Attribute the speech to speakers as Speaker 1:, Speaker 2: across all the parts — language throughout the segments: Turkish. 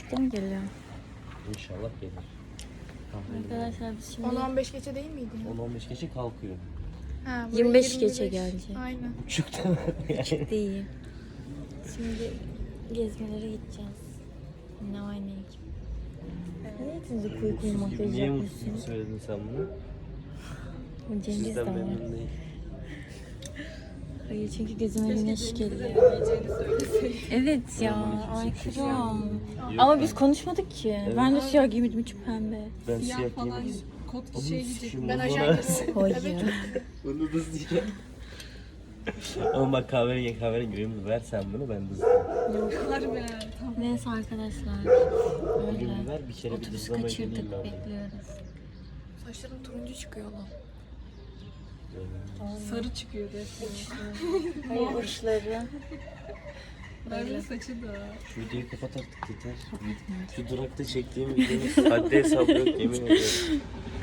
Speaker 1: 10.30'da mı geliyor?
Speaker 2: İnşallah gelir.
Speaker 1: Arkadaşlar biz şimdi
Speaker 3: 10-15 geçe değil miydi?
Speaker 2: 10-15 geçe kalkıyor.
Speaker 3: Ha, buraya
Speaker 1: 25 geçe gelecek.
Speaker 3: Aynen.
Speaker 2: Buçukta yani.
Speaker 1: Değil. Şimdi gezmelere gideceğiz. Ne oynayacağım? Evet, siz kuyu makyaj
Speaker 2: Niye mutsuz
Speaker 1: yapmışsınız.
Speaker 2: söyledin sen bunu?
Speaker 1: Cengiz de
Speaker 2: Sizden
Speaker 1: var.
Speaker 2: memnun değil.
Speaker 1: Hayır çünkü gözüme güneş geliyor. Evet ya, aykırı. Ama biz konuşmadık ki.
Speaker 2: Evet.
Speaker 1: Ben de siyah giymedim, içi pembe.
Speaker 2: Ben siyah
Speaker 4: falan
Speaker 2: giymek
Speaker 4: kot şey giyecek.
Speaker 3: Ben ajan giydim.
Speaker 1: Hayır.
Speaker 2: Bunu da diyeceğim. Ama bak kahverengi ürünü ver sen bunu ben dızlayayım.
Speaker 4: Harbi. Tamam.
Speaker 1: Neyse arkadaşlar. Öyle.
Speaker 2: Ürünü ver bir kere bir
Speaker 1: Otobüs
Speaker 2: dızlamayı
Speaker 1: kaçırdık,
Speaker 2: deneyeyim ben.
Speaker 1: bekliyoruz.
Speaker 3: Saçlarım turuncu çıkıyor lan.
Speaker 4: Sarı çıkıyor resmen.
Speaker 1: Hayır uçları.
Speaker 4: Merve'nin saçı da.
Speaker 2: Şu videoyu kapat artık yeter. Şu durakta çektiğim videonun haddi hesabı yok yemin ediyorum.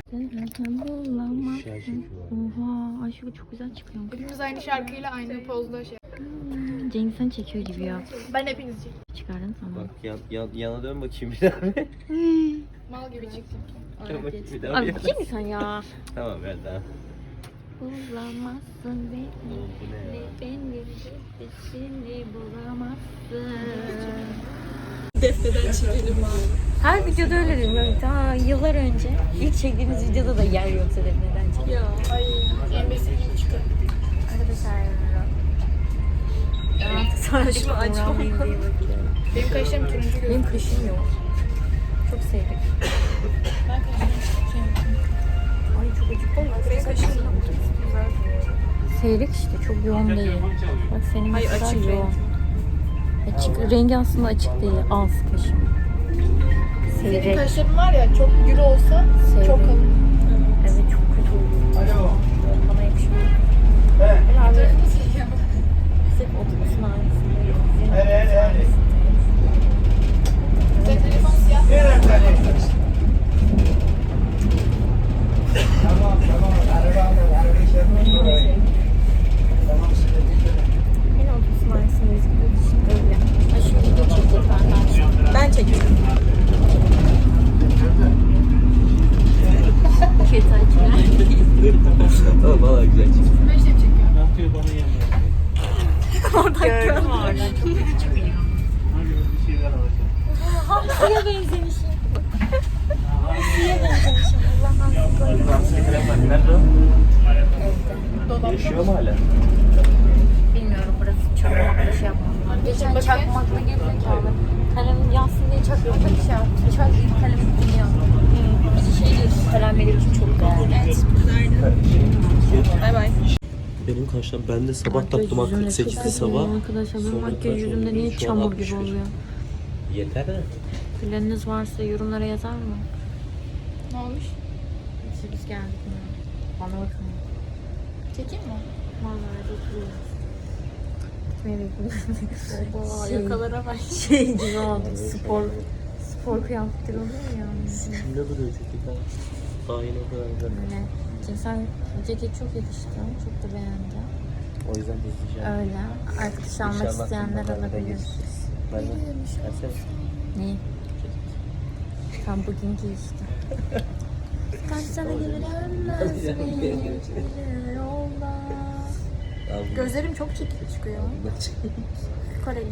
Speaker 2: Şey çekiyor.
Speaker 1: Oha, Ayşe bu çok güzel çıkıyor.
Speaker 3: Hepimiz aynı şarkıyla aynı pozda şey.
Speaker 1: Cengiz sen çekiyor gibi ya.
Speaker 3: Ben hepinizi çektim.
Speaker 1: Çıkardın tamam.
Speaker 2: Bak yana dön bakayım bir daha.
Speaker 3: Mal gibi çıktım.
Speaker 2: Dön bakayım bir daha.
Speaker 1: Abi kim sen ya?
Speaker 2: Tamam ver daha.
Speaker 1: Bulamazsın beni.
Speaker 2: Bu ne ya?
Speaker 1: Beni seni bulamazsın.
Speaker 4: Defneden çekelim abi.
Speaker 1: Her videoda öyle dedim. Yani daha yıllar önce ilk çektiğimiz videoda da yer yoksa neden çekelim.
Speaker 4: Ya.
Speaker 3: Ay, embesi gibi çıkıyor.
Speaker 1: Arkadaşlar ben artık sonra
Speaker 4: Kaşımı açma.
Speaker 1: uğramayayım diye bakıyorum.
Speaker 3: Benim kaşlarım turuncu gözüküyor.
Speaker 1: Benim kaşım yok. Çok seyrek.
Speaker 3: Ben kaşlarım
Speaker 1: Ay çok acıktım.
Speaker 3: Benim kaşlarım
Speaker 1: Seyrek işte çok yoğun değil. Bak senin
Speaker 4: Hayır,
Speaker 1: mesela
Speaker 4: açık
Speaker 1: yoğun. Açık rengi aslında açık değil. Az kaşım.
Speaker 3: Senin
Speaker 1: Seyrek.
Speaker 3: kaşların var ya çok gür olsa
Speaker 1: Seyrek.
Speaker 3: çok kalın.
Speaker 1: Evet çok kötü oldu. Bana yakışmıyor. Herhalde sırf otobüsün aynısındayız.
Speaker 3: Senin telefon siyah.
Speaker 1: Yine otobüsün aynısındayız. Öyle. Ha şu video çekecek benden. Ben çekiyorum. Kötü açılar.
Speaker 2: Tamam valla güzel çıktı.
Speaker 3: Ben şey çekiyorum.
Speaker 5: Ne yapıyor bana yemiyor?
Speaker 1: Oradan gördüm oradan. Çok kötü çıkıyor.
Speaker 5: Hadi bir şeyler alacağım.
Speaker 1: Hamsiye benzemişim. Hamsiye benzemişim. Allah'tan koyayım.
Speaker 2: Nerede o?
Speaker 3: Dolapta.
Speaker 2: Yaşıyor mu hala?
Speaker 1: Bilmiyorum burası çakmakla şey yapmam. Geçen çakmakla gerizekalı. Kalem yansın diye çakmakla bir şey yaptım. Çak kalem gidiyor. Bir şey diyorsun kalem benim için çok değerli.
Speaker 4: Bay bay.
Speaker 2: Benim kaşlar ben de sabah taktım ha 48'de sabah.
Speaker 1: Arkadaşlar benim
Speaker 2: Sonra
Speaker 1: makyaj
Speaker 2: kaç
Speaker 1: yüzümde
Speaker 2: oldu?
Speaker 1: niye
Speaker 2: Şu an
Speaker 1: çamur
Speaker 2: 61.
Speaker 1: gibi oluyor?
Speaker 2: Yeter de.
Speaker 1: Planınız varsa yorumlara yazar mı?
Speaker 3: Ne olmuş?
Speaker 1: Biz geldik mi? Bana bakın.
Speaker 3: Çekeyim mi?
Speaker 1: Vallahi bekliyoruz. Gitmeye bekliyoruz.
Speaker 4: Yakalara bak.
Speaker 1: Şey gibi oldu. Spor kıyafetleri oluyor ya.
Speaker 2: Kimde duruyor ceketler? Daha yeni o kadar güzel.
Speaker 1: Öyle. Sen ceket çok yakıştı. Çok da beğendim.
Speaker 2: O yüzden izleyeceğim.
Speaker 1: Öyle. Arkadaş almak isteyenler alabilir.
Speaker 2: Ben de. Versene.
Speaker 1: Ne? Tam bugün giy işte. Kaç sana gelir yolda.
Speaker 3: Gözlerim çok çekik çıkıyor. Koreli.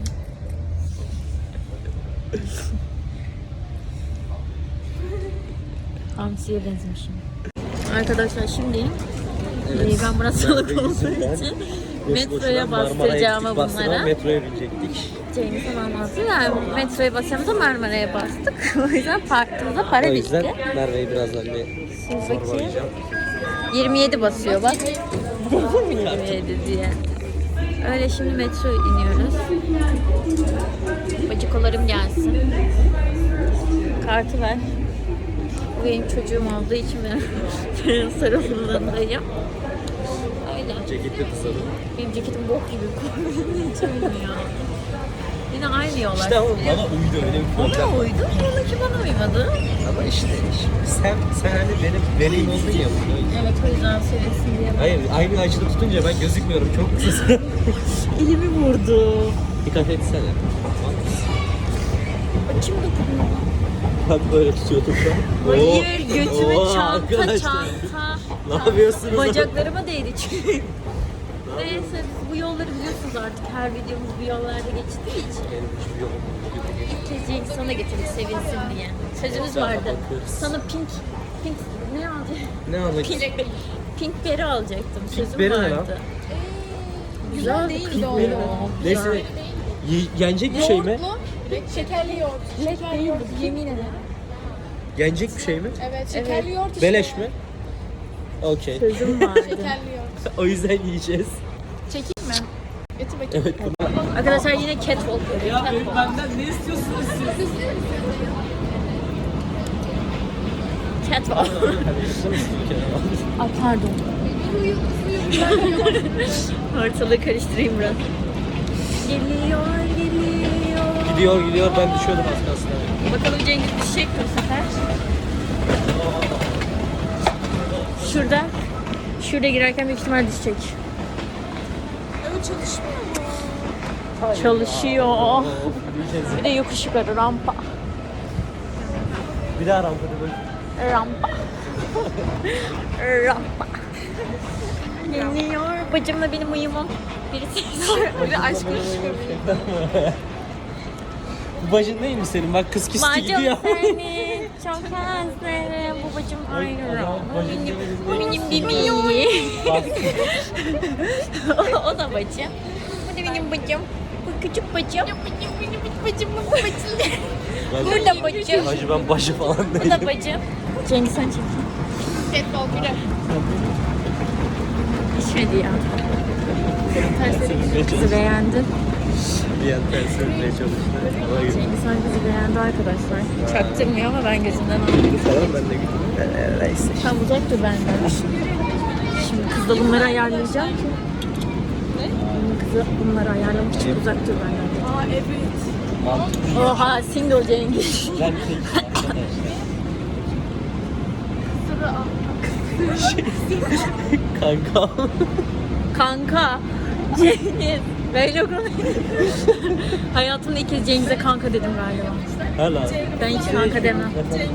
Speaker 1: Hamsiye benzemişim. Arkadaşlar şimdi ben burasılık olduğu için metroya bastıracağımı bunlara.
Speaker 2: Metroya binecektik.
Speaker 1: Cengiz'e anlattı. Yani metroya basacağımıza Marmara'ya bastık. O yüzden parktığımızda para
Speaker 2: O
Speaker 1: bitti.
Speaker 2: yüzden Merve'yi birazdan bir
Speaker 1: Şimdi bakayım.
Speaker 2: sorgulayacağım.
Speaker 1: 27 basıyor bak. Dedim mi 27 diye. Öyle şimdi metro iniyoruz. Bacıkolarım gelsin. Kartı ver. Bu benim çocuğum olduğu için ben sarılındayım. Öyle.
Speaker 2: Ceketli kısalım.
Speaker 1: Benim ceketim bok gibi kombinleyeceğim ya. Yine aynı yollar.
Speaker 2: İşte ama bana uydu öyle bir problem.
Speaker 1: Ona uydu, onunki bana uymadı.
Speaker 2: Ama işte sen hani benim vereyim oldun ya burada.
Speaker 1: Evet o yüzden söylesin diye.
Speaker 2: Hayır aynı açıda tutunca ben gözükmüyorum çok kısa.
Speaker 1: Elimi vurdu.
Speaker 2: Dikkat etsene.
Speaker 1: Kim dokunuyor?
Speaker 2: Bak böyle tutuyordum şu an.
Speaker 1: Hayır, götüme
Speaker 2: Oo,
Speaker 1: çanta,
Speaker 2: arkadaşlar.
Speaker 1: çanta.
Speaker 2: Ne yapıyorsunuz?
Speaker 1: Bacaklarıma değdi çünkü. Neyse biz bu yolları biliyorsunuz artık. Her videomuz bu yollarda geçtiği için. İlk kez Cengiz sana getirdik sevinsin diye. Sözümüz vardı. Sana pink ne alacaktım?
Speaker 2: Ne almak
Speaker 1: Pink beri alacaktım. Sözüm
Speaker 2: beri ne lan?
Speaker 1: vardı.
Speaker 3: Güzel değil doğru.
Speaker 2: Neyse. Yenecek bir şey mi?
Speaker 3: Şekerli yoğurt. Şekerli yoğurt. Yemin ederim.
Speaker 2: Yenecek bir şey mi?
Speaker 3: Evet şekerli yoğurt işte.
Speaker 2: Beleş mi? Okey.
Speaker 1: Sözüm vardı.
Speaker 3: Şekerli yoğurt.
Speaker 2: O yüzden yiyeceğiz.
Speaker 3: Çekeyim mi? Getir bakayım.
Speaker 2: Evet.
Speaker 1: Arkadaşlar yine catwalk yapıyor. Catwalk.
Speaker 2: Benden ne istiyorsunuz siz?
Speaker 1: Catwalk. Ay pardon. Ortalığı karıştırayım biraz. Geliyor.
Speaker 2: Gidiyor ben düşüyordum az kalsın.
Speaker 1: Bakalım Cengiz düşecek mi bu sefer? Şurada girerken büyük ihtimal düşecek.
Speaker 3: Evet çalışmıyor mu?
Speaker 1: Çalışıyor. Bir de yokuş yukarı rampa.
Speaker 2: Bir daha rampada böyle.
Speaker 1: Rampa. Rampa. Geliyor. Bacımla benim uyumum. Birisi.
Speaker 3: Bir de aşk konuşuyor.
Speaker 2: Bu bacın değil mi senin? Bak kız kisti
Speaker 1: Bacım
Speaker 2: gidiyor.
Speaker 1: seni çok özlerim. Bu bacım ayrı. Bu benim bebeğim. O da bacım. Bu da benim bacım. Bu küçük bacım. Benim bacım. Bu bacım. Bu da bacım.
Speaker 2: Hacı ben bacı falan
Speaker 1: Bu
Speaker 2: değilim.
Speaker 1: da bacım. Cengiz sen çek.
Speaker 3: Ketbol biri.
Speaker 1: İçmedi ya. Kızı beğendin.
Speaker 2: Bir an ters örmeye çalıştı. Ona göre.
Speaker 1: Cengiz Han kızı beğendi arkadaşlar. Çaktırmıyor ama ben gözünden aldım.
Speaker 2: Tamam ben de gittim. Neyse.
Speaker 1: Tam uzak dur benden. Şimdi kızla bunları ayarlayacağım ki. Ne? Kızı bunları ayarlamak için uzak dur benden.
Speaker 3: Aa evet.
Speaker 1: Oha single Cengiz.
Speaker 2: Ben Kanka.
Speaker 1: Kanka. Cengiz. Böyle konuşuyor. Hayatımda ilk kez Cengiz'e kanka dedim galiba.
Speaker 2: Hala.
Speaker 1: Ben hiç kanka demem.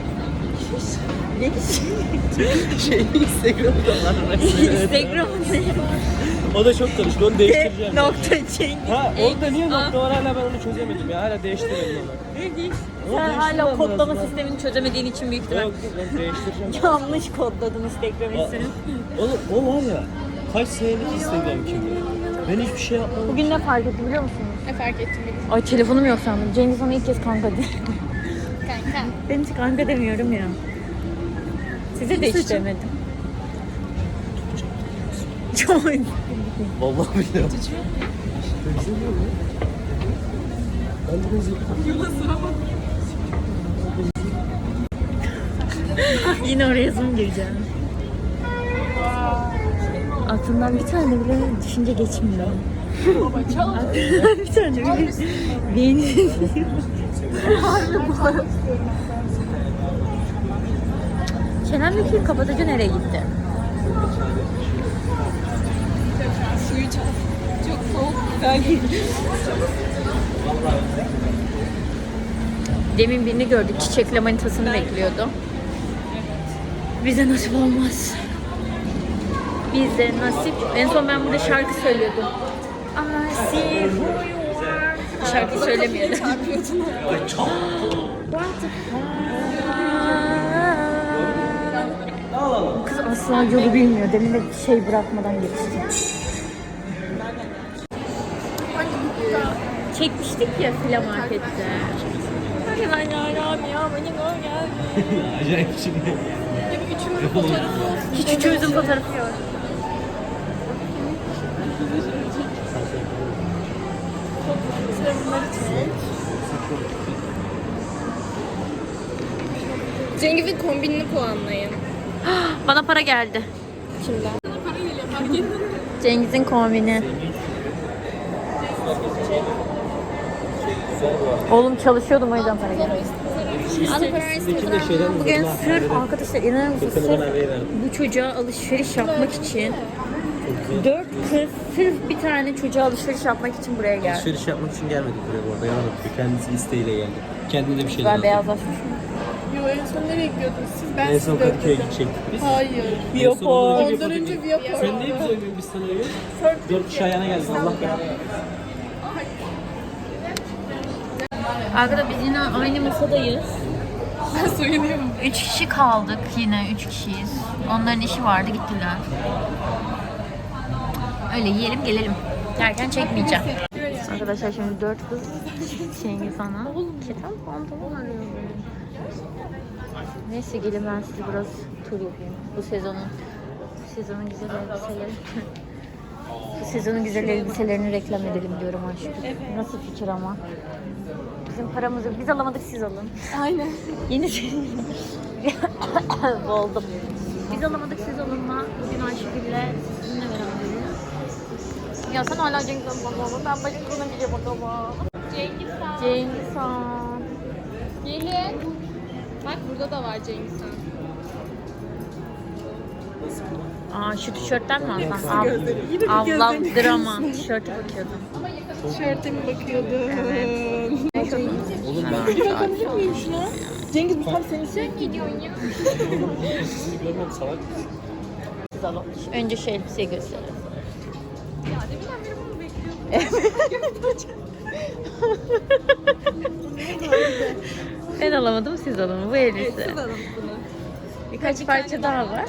Speaker 2: Instagram'da var.
Speaker 1: Instagram'da.
Speaker 2: O da çok karıştı. Onu değiştireceğim.
Speaker 1: Nokta Cengiz.
Speaker 2: Ha orada niye nokta var hala ben onu çözemedim ya. Hala değiştirelim onu.
Speaker 1: Sen hala kodlama sistemini çözemediğin için büyük ihtimal.
Speaker 2: Yok ben değiştireceğim.
Speaker 1: Yanlış kodladın Instagram ismini.
Speaker 2: Oğlum o var ya. Kaç senelik Instagram kimliği. Ben hiçbir şey yapmadım.
Speaker 1: Bugün ne fark etti biliyor musunuz?
Speaker 3: Ne fark ettim benim.
Speaker 1: Ay telefonum yok sandım. Cengiz ona ilk kez kanka dedi.
Speaker 3: Kanka.
Speaker 1: Ben hiç kanka demiyorum ya. Size de hiç demedim. Çok
Speaker 2: Vallahi billahi.
Speaker 1: Yine oraya zoom gireceğim. Aklımdan bir tane bile düşünce geçmiyor. Aklımdan bir tane bile beni... Kenan Bekir Kabataca nereye gitti?
Speaker 3: Suyu çal. Çok soğuk. Güzel.
Speaker 1: Demin birini gördük. Çiçekle manitasını bekliyordu. Bize nasip olmaz. Bize nasip. En son ben burada şarkı söylüyordum. I see who you are. Şarkı söylemiyordu. Kız asla yolu bilmiyor. Demin de şey bırakmadan geçti. Çekmiştik ya file markette. Hadi ben yaram ya beni gör geldi.
Speaker 2: Acayip şimdi.
Speaker 3: Üçümüzün fotoğrafı olsun.
Speaker 1: Hiç üçümüzün fotoğrafı yok.
Speaker 3: Cengiz'in kombinini puanlayın.
Speaker 1: Bana para geldi.
Speaker 3: Kimden? Para geliyor fark ettin mi?
Speaker 1: Cengiz'in kombini. Oğlum çalışıyordum o yüzden para geldi. Bugün sırf arkadaşlar inanır mısınız sırf bu çocuğa alışveriş yapmak için 4 kız sırf bir tane çocuğa alışveriş yapmak için buraya geldi.
Speaker 2: Alışveriş yapmak için gelmedik buraya bu arada. Yanıltık. Kendisi isteğiyle geldi. kendine bir şey
Speaker 1: Ben
Speaker 2: lazım.
Speaker 1: beyazlaşmışım.
Speaker 3: Yo en son nereye gidiyordunuz siz? Ben
Speaker 2: En son
Speaker 3: sizi
Speaker 2: Kadıköy'e
Speaker 3: öldürdüm.
Speaker 2: gidecektik biz.
Speaker 3: Hayır.
Speaker 2: En son ondan
Speaker 3: Ondan önce Viyapor'da.
Speaker 2: Sen niye bize oynuyorsun biz sana oynuyoruz? 4 kişi ayağına geldin Allah belanı.
Speaker 1: Arkada biz yine aynı masadayız.
Speaker 3: Ben soyunuyorum.
Speaker 1: 3 kişi kaldık yine 3 kişiyiz. Onların işi vardı gittiler. Öyle yiyelim gelelim. Derken çekmeyeceğim. Arkadaşlar şimdi 4 kız Cengiz Han'a keten pantolon arıyor. Neyse gelin ben size biraz tur yapayım. Bu sezonun güzel elbiseleri. Bu sezonun güzel elbiselerini reklam edelim diyorum aşkım. Nasıl fikir ama? Bizim paramız yok. Biz alamadık siz alın.
Speaker 3: Aynen.
Speaker 1: Yeni boğuldum. Biz alamadık siz alınma. Bugün Ayşegül'le sizinle beraberiz. Ya sen hala Cengiz Han bakalım. Ben başka bir şey bakalım. Cengiz Han.
Speaker 3: Gelin. Bak burada da var Cengiz Han.
Speaker 1: Aa şu tişörtten mi alsam?
Speaker 3: Gözleri. Yine bir
Speaker 1: Ablam
Speaker 3: gözlerini
Speaker 1: drama. Tişörte bakıyordum.
Speaker 3: Tişörte mi bakıyordun?
Speaker 1: Evet.
Speaker 2: Oğlum ben
Speaker 3: Bakabilir miyim şuna? Cengiz bu tam senin için.
Speaker 1: Gidiyorsun ya.
Speaker 2: sizi görmem salak.
Speaker 1: Siz alın. Önce şu elbiseyi gösterelim.
Speaker 3: Ya deminden beri bunu bekliyordum.
Speaker 1: Ben alamadım siz alın. Bu elbise.
Speaker 3: Siz alın bunu.
Speaker 1: Birkaç parça daha var.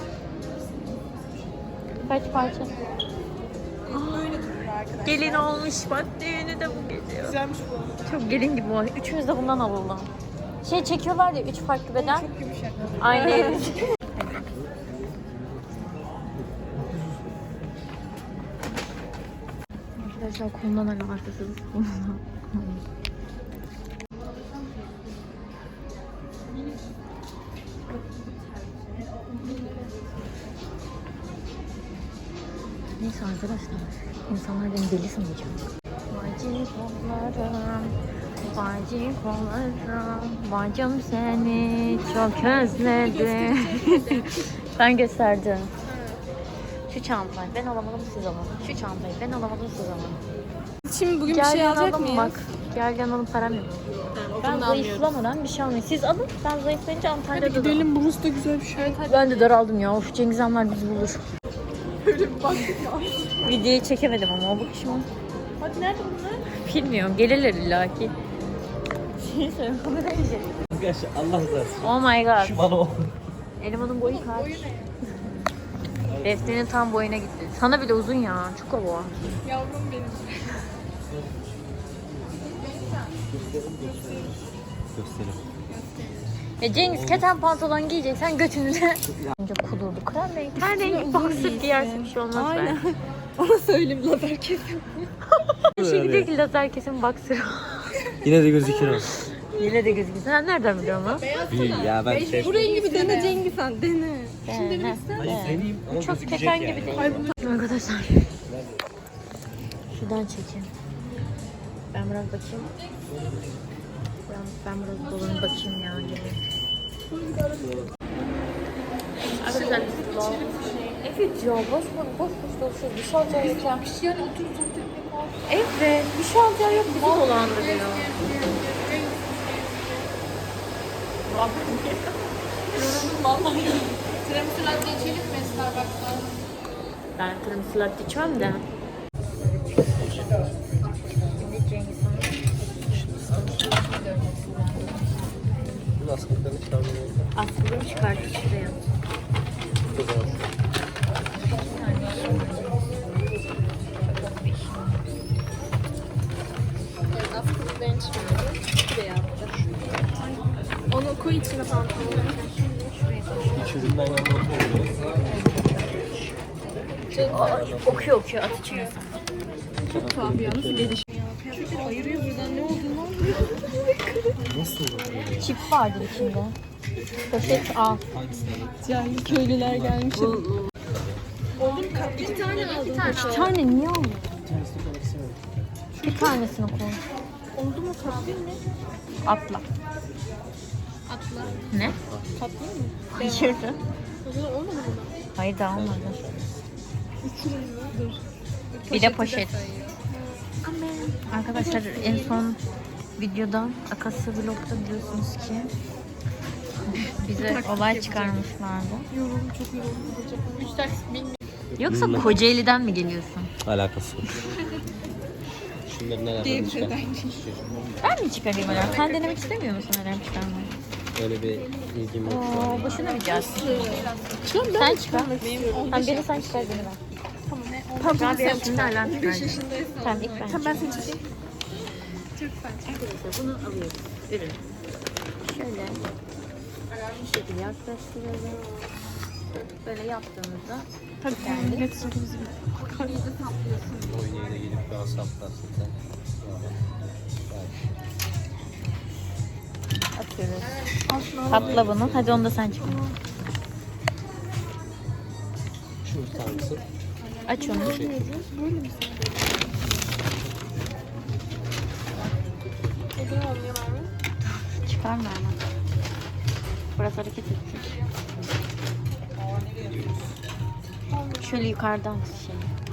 Speaker 1: Kaç parça?
Speaker 3: Böyle durur arkadaşlar.
Speaker 1: Gelin olmuş bak düğünü de bu geliyor.
Speaker 3: Güzelmiş bu.
Speaker 1: Çok gelin gibi o. Üçümüz de bundan alalım. Şey çekiyorlar ya 3 farklı beden.
Speaker 3: Çok yumuşak.
Speaker 1: Aynı elbise. Arkadaşlar konudan alakasız. Neyse arkadaşlar, insanlar beni deli sanacak. Bacım kollarım, bacım kollarım, bacım seni çok özledim. Ben gösterdim. Şu çantayı ben alamadım siz alın. Şu çantayı ben alamadım siz alın.
Speaker 3: Şimdi bugün bir
Speaker 1: Gel
Speaker 3: şey alacak
Speaker 1: yanalım
Speaker 3: mıyız?
Speaker 1: bak. Gel yanalım param yok. Ben zayıflamadan bir şey almayayım. Siz alın. Ben zayıflayınca Antalya'da da.
Speaker 3: Gidelim burası da güzel bir şey.
Speaker 1: Ben de daraldım ya. Of Cengiz Hanlar bizi bulur.
Speaker 3: Öyle bir baktık ya.
Speaker 1: Videoyu çekemedim ama o bakışıma.
Speaker 3: Hadi nerede bunlar?
Speaker 1: Bilmiyorum. Gelirler illaki. Şey söyleyeyim.
Speaker 2: Arkadaşlar Allah razı olsun.
Speaker 1: Oh my god.
Speaker 2: Şu bana o.
Speaker 1: Elemanın boyu kaç? Defne'nin tam boyuna gitti. Sana bile uzun ya. Çok hava.
Speaker 3: Yavrum benim.
Speaker 2: Göstereyim.
Speaker 1: Cengiz keten pantolon giyeceksen götünüze. Önce kudurdu. Krem renk. Her renk boxer giyersin bir şey olmaz
Speaker 3: Aynen.
Speaker 1: be.
Speaker 3: Ona söyleyeyim lazer kesin.
Speaker 1: Şey diyor ki lazer kesin boxer.
Speaker 2: Yine de gözükür o.
Speaker 1: Yine de gözüküyor. Sen nereden biliyorsun lan?
Speaker 2: Ya ben şey...
Speaker 3: Bu rengi bir dene Cengiz Han dene.
Speaker 2: Hayır deneyeyim ama
Speaker 1: Çok
Speaker 2: gözükecek
Speaker 1: keten
Speaker 2: yani.
Speaker 1: gibi değil. Arkadaşlar. Şuradan çekeyim. Ben biraz bakayım. Ben biraz dolanıp bakayım ya. Arkadaşlar evet ya boş dolaşıyoruz. Bir şey alacağı yok ya. Bir şey yani evet bir şey alacağı yok. Bizi dolandırıyor.
Speaker 3: Tiramisu latte içelim mi Starbucks'ta?
Speaker 1: Ben tiramisu latte içmem de.
Speaker 2: Bunu askılıklarını çıkarmıyor.
Speaker 1: Aslında çıkarttı şuraya.
Speaker 2: O zaman.
Speaker 3: Askılıklarını çıkardım. Şuraya yaptı. Onu koy içine pantolonu.
Speaker 2: Hiç üründen yanında oturmuyoruz.
Speaker 1: Okuyor at içine.
Speaker 3: Çok tuhaf ya. Nasıl gelişiyor? Kıyafetleri ayırıyor buradan. Ne olduğunu anlıyor.
Speaker 2: Nasıl olur?
Speaker 1: Çip vardı içinde. Poşet al.
Speaker 3: Cahil köylüler gelmiş. Oğlum bir tane aldım.
Speaker 1: Bir tane niye aldın? Bir tanesini koy.
Speaker 3: Oldu mu tatlı mı?
Speaker 1: Atla.
Speaker 3: Atla.
Speaker 1: Ne?
Speaker 3: Tatlı mı?
Speaker 1: Hayır.
Speaker 3: O zaman olmadı mı?
Speaker 1: Hayır daha olmadı.
Speaker 3: Uçurum mu? Dur.
Speaker 1: Bir de poşet. Arkadaşlar en son videoda Akasya Vlog'da biliyorsunuz ki bize olay çıkarmışlardı.
Speaker 3: Yoruldum, çok yoruldum. 3 taksi bilmiyorum.
Speaker 1: Yoksa Kocaeli'den mi geliyorsun?
Speaker 2: Alakası yok. Şunların alarmını çıkar.
Speaker 1: Ben mi çıkarayım alarm? Sen denemek istemiyor musun alarm çıkarmayı?
Speaker 2: Öyle bir ilgim yok şu an.
Speaker 1: Boşuna bir gelsin.
Speaker 3: Şu an
Speaker 1: Sen çıkar. Tamam biri sen çıkar beni ben.
Speaker 3: Tamam,
Speaker 1: Ben
Speaker 3: sen
Speaker 1: bir şimdi alarm
Speaker 3: 5
Speaker 1: çıkaracağım.
Speaker 3: yaşındaysan.
Speaker 1: Tamam ilk ben
Speaker 3: Tamam, ben seni çekeyim.
Speaker 1: Arkadaşlar bunu alıyoruz. Ürün. Şöyle bu şekilde yaklaştıralım. Böyle yaptığımızda
Speaker 3: Hadi
Speaker 1: geldi.
Speaker 3: net sırtımızı
Speaker 2: Oynayana gelip daha saplarsın sen.
Speaker 1: Atıyoruz. Katla bunu. Hadi onu da sen çıkar.
Speaker 2: Şu tutar mısın?
Speaker 1: Aç onu. Çıkarma hemen. Burası hareket edecek. Şöyle yukarıdan şey.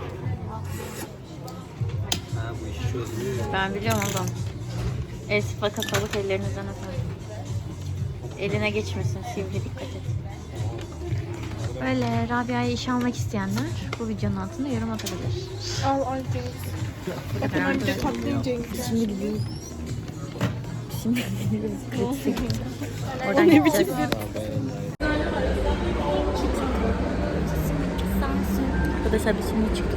Speaker 2: Ha bu iş çözülüyor.
Speaker 1: Ben biliyorum oğlum. El sıfa kapalık ellerinizden atalım. Eline geçmesin sivri, dikkat et. Böyle Rabia'ya iş almak isteyenler bu videonun altında yorum atabilir.
Speaker 3: al Cengiz. Bakın ben bir de tatlıyım Cengiz.
Speaker 1: Şimdi gidiyoruz. Şimdi gidiyoruz. Oradan gideceğiz. Arkadaşlar biz şimdi çıktık.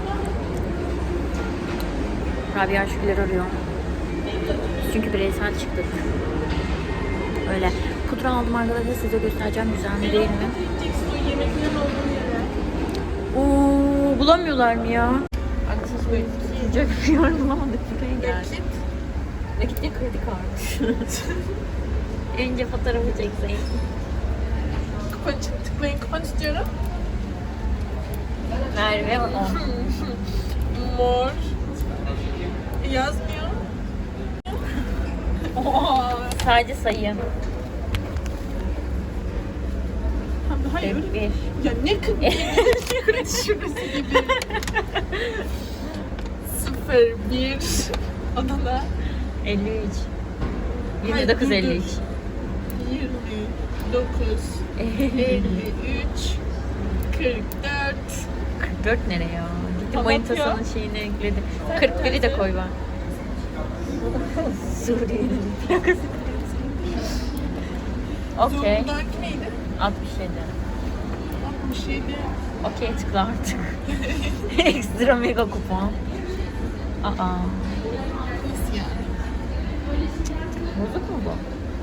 Speaker 1: Rabia Şükürler arıyor. Çünkü bireysel çıktık. Öyle. Pudra aldım arkadaşlar, size göstereceğim güzel mi değil mi? Oo, bulamıyorlar mı ya? Arkadaşlar böyle sıcak bir yer bulamadık. Buraya geldik. Nakit ya kredi kartı. Önce fotoğrafı çekseydim.
Speaker 3: Kupa tıklayın, kupa istiyorum.
Speaker 1: Merve 10.
Speaker 3: Mor. Yazmıyor. Oha.
Speaker 1: Sadece sayı.
Speaker 3: Hayır.
Speaker 1: 41.
Speaker 3: Ya ne kredi şurası gibi. 01 Adana
Speaker 1: 53.
Speaker 3: Hayır,
Speaker 1: 29
Speaker 3: dur,
Speaker 1: 53.
Speaker 3: 29 53 44
Speaker 1: 44 nereye ya? Gitti
Speaker 3: Tamam
Speaker 1: manitasının
Speaker 3: ya.
Speaker 1: şeyini ekledi. 41'i de koy bak. Suriye'nin plakası. Okey.
Speaker 3: Zonguldak'taki neydi?
Speaker 1: 67.
Speaker 3: 67
Speaker 1: Okey tıkla artık. Ekstra mega kupon. Aa.
Speaker 3: Nasıl yani?
Speaker 1: Bozuk mu bu?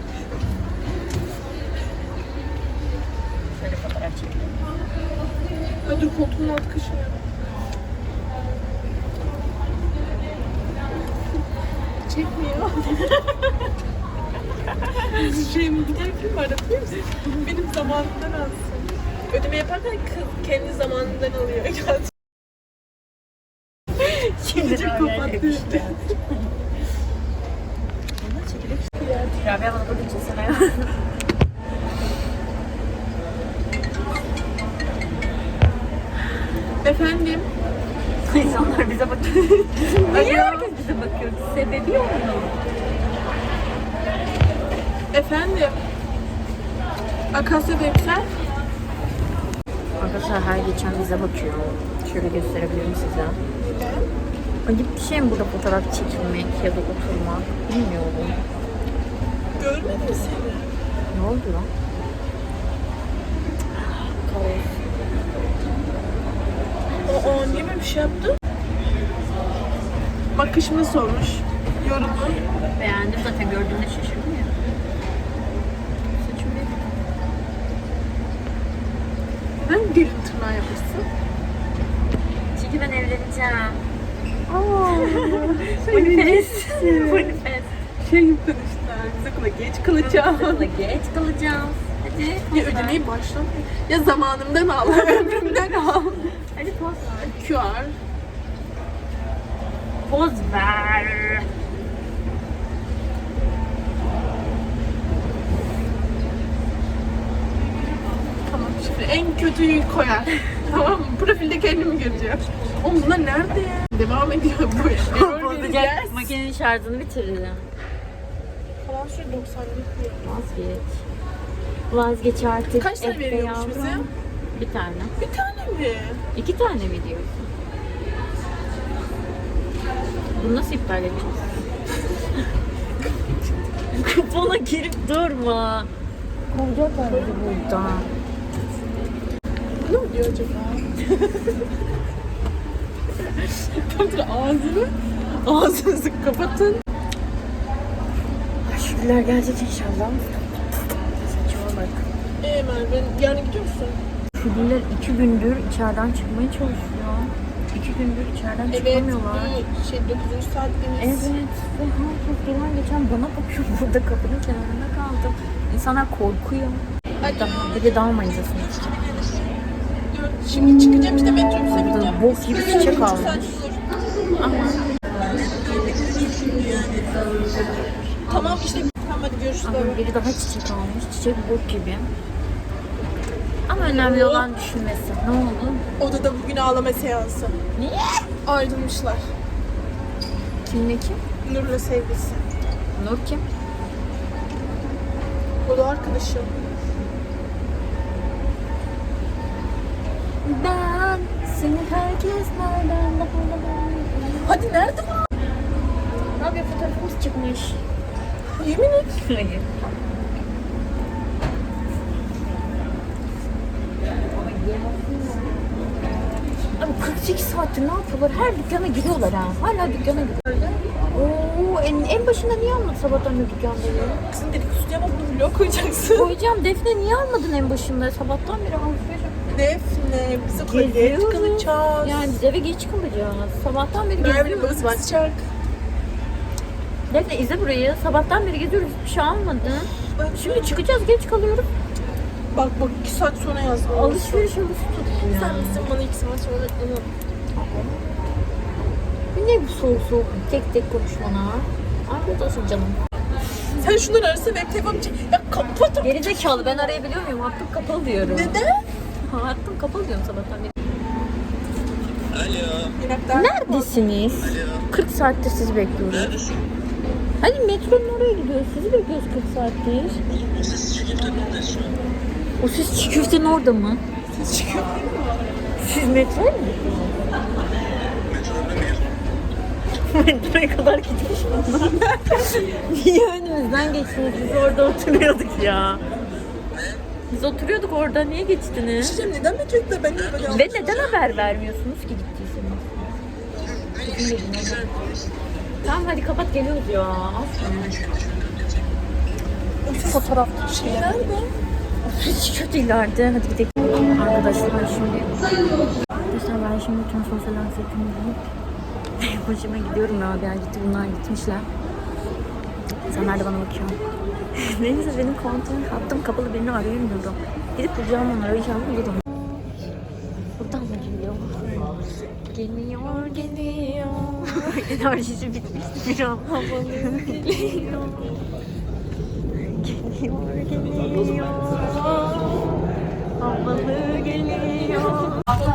Speaker 1: Şöyle fotoğraf çekelim.
Speaker 3: Dur koltuğun altı kaşınıyor. Çekmiyor. Şey mi giderken mi aratıyor musun? Benim zamanımdan alsın. Ödeme yaparken kız kendi zamanından alıyor.
Speaker 1: Şimdi
Speaker 3: Çok kapattı.
Speaker 1: Rabia bana burada çizsene ya.
Speaker 3: Efendim?
Speaker 1: İnsanlar bize bakıyor. Niye herkes bize bakıyor? Sebebi yok mu?
Speaker 3: Efendim? Akasya Deksel?
Speaker 1: Arkadaşlar her geçen bize bakıyor. Şöyle gösterebilirim size. Acayip bir şey mi burada fotoğraf çekilmek ya da oturmak? Bilmiyorum.
Speaker 3: Görmedim seni.
Speaker 1: Ne oldu lan? Kaos.
Speaker 3: O niye böyle bir şey yaptı? Bakışımı sormuş. Yorumu.
Speaker 1: Beğendim zaten gördüğümde şaşırdım ya.
Speaker 3: Saçım ne? Neden gelin tırnağı yapmışsın?
Speaker 1: Çünkü ben evleneceğim.
Speaker 3: Manifest.
Speaker 1: Manifest.
Speaker 3: Şey konuştular. Biz okula geç kalacağım.
Speaker 1: Okula geç kalacağım. Hadi.
Speaker 3: Ya ödemeyi baştan. Ya zamanımdan al. Ömrümden al.
Speaker 1: Hadi poz ver.
Speaker 3: QR.
Speaker 1: Poz ver.
Speaker 3: Tamam şimdi en kötüyü koyar. Tamam mı? Profilde kendimi göreceğim. Oğlum bunlar nerede ya? Devam ediyor bu iş. Error
Speaker 1: Bozacak.
Speaker 3: vereceğiz.
Speaker 1: Makinenin şarjını bitireceğim.
Speaker 3: asansör 90'lık diyor.
Speaker 1: Vazgeç. Vazgeç artık.
Speaker 3: Kaç tane
Speaker 1: Efe
Speaker 3: veriyormuş
Speaker 1: yavrum.
Speaker 3: bize?
Speaker 1: Bir tane.
Speaker 3: Bir tane mi?
Speaker 1: 2 tane mi diyorsun? Bunu nasıl iptal edeceğiz? Kupona girip durma. Kovacaklar bizi buradan.
Speaker 3: Ne oluyor acaba? Kapatın ağzını. Ağzınızı kapatın.
Speaker 1: Şükürler gelecek inşallah. Saçma bak.
Speaker 3: Merve yarın gidiyor musun?
Speaker 1: Şükürler 2 gündür içeriden çıkmaya çalışıyor. 2 gündür içeriden
Speaker 3: Evet.
Speaker 1: çıkamıyorlar.
Speaker 3: Bu 9. saatimiz.
Speaker 1: Evet. Ve herkes gelen geçen bana bakıyor. Burada kapının kenarında kaldım. İnsanlar korkuyor. Bir de dalmayız aslında.
Speaker 3: Şimdi çıkacağım işte metrobüse bineceğim.
Speaker 1: Bok gibi çiçek almış. Ama
Speaker 3: Tamam işte. Tamam hadi görüşürüz.
Speaker 1: ama biri daha çiçek almış. Çiçek bok gibi. Ama önemli olan düşünmesi. Ne oldu?
Speaker 3: Odada bugün ağlama seansı.
Speaker 1: Niye?
Speaker 3: Ayrılmışlar.
Speaker 1: Kimle kim?
Speaker 3: Nur'la sevgilisi.
Speaker 1: Nur kim?
Speaker 3: O da arkadaşım.
Speaker 1: Ben seni herkes nereden daha
Speaker 3: Hadi nerede bu?
Speaker 1: Abi fotoğrafımız çıkmış.
Speaker 3: Yemin et.
Speaker 1: Hayır. Abi 48 saattir ne yapıyorlar? Her dükkana giriyorlar ha. Hala dükkana giriyorlar. Oo, en başında niye almadın sabahtan beri dükkandayı?
Speaker 3: Kızın dedikodusu yapma bunu vlog koyacaksın.
Speaker 1: Koyacağım. Defne niye almadın en başında? Sabahtan beri alışveriş.
Speaker 3: Defne biz okula geç kalacağız.
Speaker 1: Yani biz eve geç kalacağız. Sabahtan beri
Speaker 3: Merve
Speaker 1: geziyoruz.
Speaker 3: babası basacak.
Speaker 1: Defne izle burayı. Sabahtan beri geziyoruz. Hiçbir şey almadın. Şimdi çıkacağız. Geç kalıyoruz.
Speaker 3: Bak 2 saat sonra yazdım.
Speaker 1: Alışveriş tuttu
Speaker 3: Sen
Speaker 1: ya.
Speaker 3: misin bana 2 saat sonra onu.
Speaker 1: Ne bu soğuk soğuk tek tek konuşmana? Afiyet olsun canım.
Speaker 3: Sen şunları arasın web telefonu çek. Ya kapat.
Speaker 1: Gerizekalı ben arayabiliyor muyum? Hattım kapalı diyorum.
Speaker 3: Neden?
Speaker 1: Hattım kapalı diyorum sabahtan beri.
Speaker 3: Yinekler.
Speaker 1: Neredesiniz? 40 saattir sizi bekliyoruz.
Speaker 2: Neredesin?
Speaker 1: Hadi metronun oraya gidiyoruz. Sizi bekliyoruz 40 saattir.
Speaker 2: O ses çiğ köftenin şu an.
Speaker 1: O siz çiğ köftenin orada mı?
Speaker 3: Ses çıkıyor.
Speaker 1: Siz metroya mı gidiyorsunuz? Metroya kadar gitmiş bunlar. Niye önümüzden geçtiniz? Biz orada oturuyorduk ya. Biz oturuyorduk orada. Niye geçtiniz?
Speaker 3: Şişem neden metrobüste ben niye böyle
Speaker 1: Ve neden haber vermiyorsunuz ki gittiyseniz? Tamam hadi kapat geliyoruz ya. Fotoğraf
Speaker 3: şey nerede?
Speaker 1: hiç kötü ileride. Hadi gidelim. Arkadaşlar şimdi. Arkadaşlar ben şimdi tüm sosyal anksiyetimi yiyip başıma gidiyorum ya. Bir gitti bunlar gitmişler. İnsanlar da bana bakıyor. Neyse benim kontrol hattım kapalı birini arayamıyorum. Gidip bulacağım onları inşallah bulurum. Buradan mı geliyor? Geliyor, geliyor. Enerjisi bitmişti bir an. Havalı geliyor. Geliyor, geliyor. Havalı geliyor.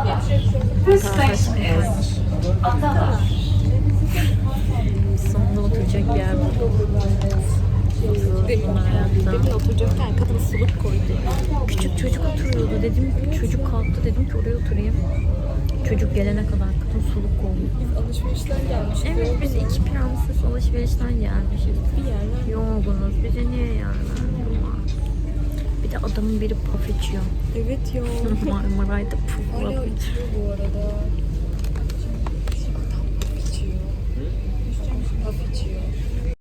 Speaker 1: Sonunda oturacak bir yer buldum. Demin oturacakken kadın suluk koydu. Küçük çocuk oturuyordu. Dedim çocuk kalktı. Dedim ki oraya oturayım. Çocuk gelene kadar kadın suluk koydu.
Speaker 3: Alışverişten gelmiştik.
Speaker 1: Evet biz iki prenses alışverişten gelmişiz. Bir yerler yorgunuz. Bize niye yerler? Bir de adamın biri puf içiyor.
Speaker 3: Evet ya.
Speaker 1: Marmaray'da puf
Speaker 3: Hala
Speaker 1: içiyor.
Speaker 3: içiyor bu arada.